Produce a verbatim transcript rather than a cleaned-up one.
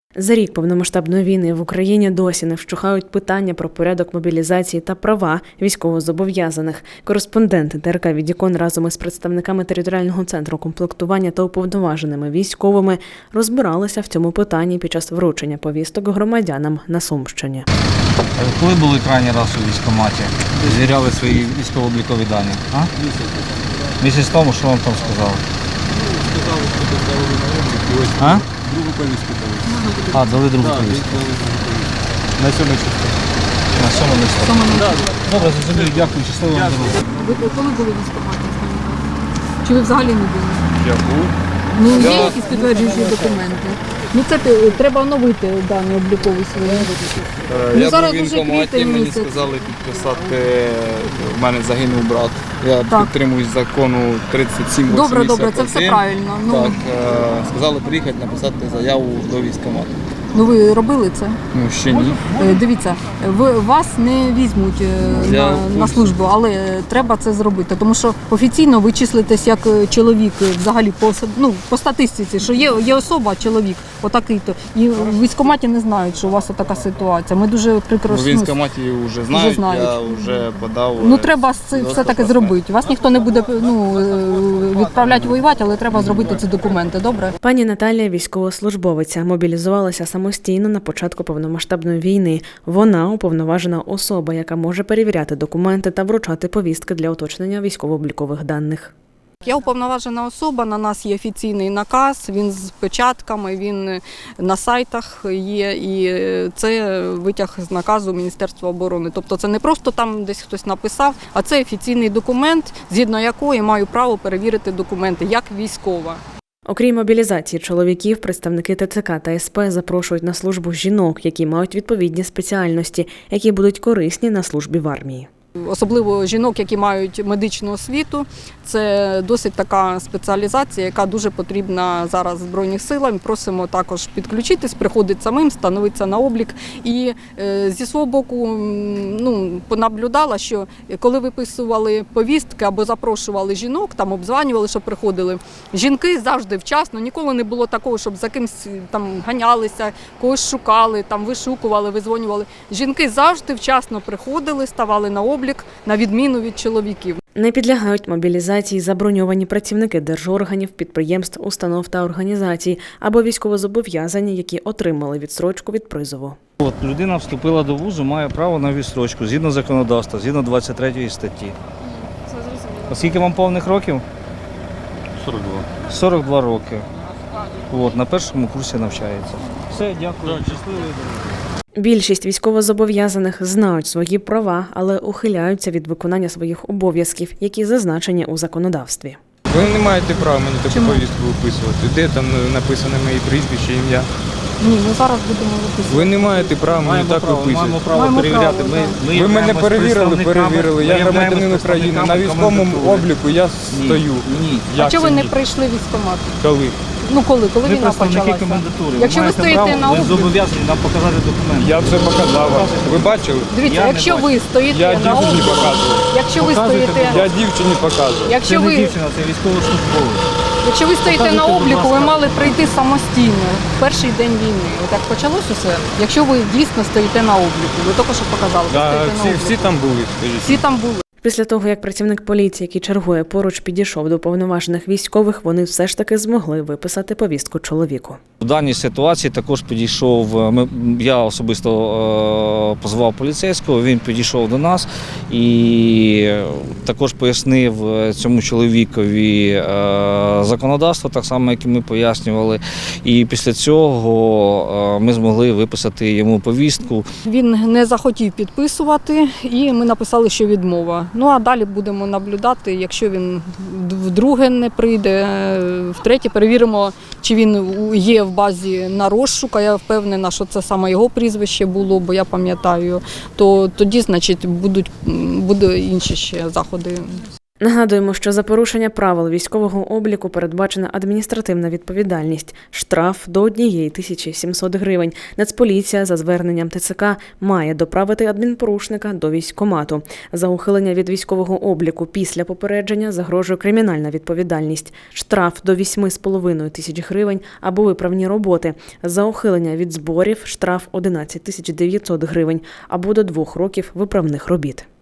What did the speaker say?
За рік повномасштабної війни в Україні досі не вщухають питання про порядок мобілізації та права військовозобов'язаних. Кореспонденти ТРК «Відікон» разом із представниками територіального центру комплектування та уповноваженими військовими розбиралися в цьому питанні під час вручення повісток громадянам на Сумщині. Коли були крайній раз у військкоматі? Звіряли свої військово-облікові дані? А? Місяць тому, що вам там сказали? Сказали, що поставили на облік. Ось А? другу повістку дали. А, дали другу Так, повістку. дали другу повістку. На сьомий число. На сьому місці. Добре, зрозуміло, дякую, щасливо вам дороги. Ви коли були в військкоматі останній раз? Чи ви взагалі не були? Я був. Ну, Я- є якісь підтверджуючі документи? Ну, це ти- треба оновити дані облікові свої. Ну, Я зараз був в дуже військкоматі, квітень мені місяць. сказали підписати, в мене загинув брат. Я Так. підтримуюсь закону тридцять сім Добре, вісімдесят один. добре, це все правильно. Ну, Так, е, сказали приїхати написати заяву до військкомату. ну ви робили це? Ну, ще ні. Е, Дивіться, ви, вас не візьмуть е, Я на, в на курсі. службу, але треба це зробити, тому що офіційно ви числитесь як е, чоловік е, взагалі по, с- ну, по статистиці, що є, є особа, чоловік, отакий-то. І в військкоматі не знають, що у вас така ситуація. Ми дуже В прекрасно. військкоматі вже знають, знають. я вже подав. Ну е, треба це свідоцтво все таки про зробити. Вас ніхто не буде ну, е, відправляти воювати, але треба зробити ці документи. Добре? Пані Наталія – військовослужбовиця, мобілізувалася самостійно на початку повномасштабної війни. Вона – уповноважена особа, яка може перевіряти документи та вручати повістки для уточнення військово-облікових даних. Я уповноважена особа, на нас є офіційний наказ, він з печатками, він на сайтах є, і це витяг з наказу Міністерства оборони. Тобто це не просто там десь хтось написав, а це офіційний документ, згідно якої маю право перевірити документи, як військова. Окрім мобілізації чоловіків, представники ТЦК та СП запрошують на службу жінок, які мають відповідні спеціальності, які будуть корисні на службі в армії. Особливо жінок, які мають медичну освіту, це досить така спеціалізація, яка дуже потрібна зараз Збройним силам. Просимо також підключитись, приходити самим, становитися на облік. І е, зі свого боку м, ну, понаблюдала, що коли виписували повістки або запрошували жінок, там обзванювали, щоб приходили, жінки завжди вчасно, ніколи не було такого, щоб за кимось там ганялися, когось шукали, там вишукували, визвонювали. Жінки завжди вчасно приходили, ставали на облік, на відміну від чоловіків. Не підлягають мобілізації заброньовані працівники держорганів, підприємств, установ та організацій або військовозобов'язані, які отримали відстрочку від призову. От, людина вступила до вузу, має право на відстрочку, згідно законодавства, згідно двадцять третьої статті. А скільки вам повних років? сорок два. сорок два роки. От, на першому курсі навчається. Все, дякую. Щасливої дороги. Більшість військовозобов'язаних знають свої права, але ухиляються від виконання своїх обов'язків, які зазначені у законодавстві. Ви не маєте права мені таку Чому? повістку виписувати. Де там написано моє прізвище, ім'я? Ні, ми зараз будемо виписувати. Ви не маєте права мені Маємо так право, маємо виписувати. право Маємо перевіряти. право, Ми, да. ми Ви мене являємось перевірили, представниками- перевірили. ми Я являємось громадянин України. На представниками військовому комендатури. обліку я Ні, стою. Ні. А Як чого це ви не ні? прийшли в військкомат? Коли? Ну коли? Коли Ми війна представники почалася? комендатури. Якщо ви маєте стоїте право, на ви обліку, зобов'язані нам показати документи. Я все показав вам. Ви бачили? дивіться, Я не якщо бачу. ви стоїте Я на дівчині обліку, показував. якщо ви Показуйте, стоїте, Я дівчині показував. Це якщо не ви, дівчина, це військовослужбовець. якщо ви стоїте на Показуйте, будь обліку, ви ласка. мали прийти самостійно в перший день війни. От як почалось усе, якщо ви дійсно стоїте на обліку, ви тільки що показали, ви Да, стоїте на всі, обліку. всі там були, скажіть. Всі там були. Після того, як працівник поліції, який чергує поруч, підійшов до повноважених військових, вони все ж таки змогли виписати повістку чоловіку. В даній ситуації також підійшов, ми, я особисто е, позвав поліцейського, він підійшов до нас і також пояснив цьому чоловікові е, законодавство, так само, як і ми пояснювали. І після цього е, ми змогли виписати йому повістку. Він не захотів підписувати, і ми написали, що відмова. Ну а далі будемо наблюдати, якщо він вдруге не прийде, втретє перевіримо, чи він є в базі на розшук, а я впевнена, що це саме його прізвище було, бо я пам'ятаю, то тоді, значить, будуть, будуть інші ще заходи. Нагадуємо, що за порушення правил військового обліку передбачена адміністративна відповідальність – штраф до однієї тисячі сімсот гривень. Нацполіція за зверненням Те Це Ка має доправити адмінпорушника до військкомату. За ухилення від військового обліку після попередження загрожує кримінальна відповідальність – штраф до вісьми з половиною тисяч гривень або виправні роботи. За ухилення від зборів – штраф одинадцять тисяч дев'ятсот гривень або до двох років виправних робіт.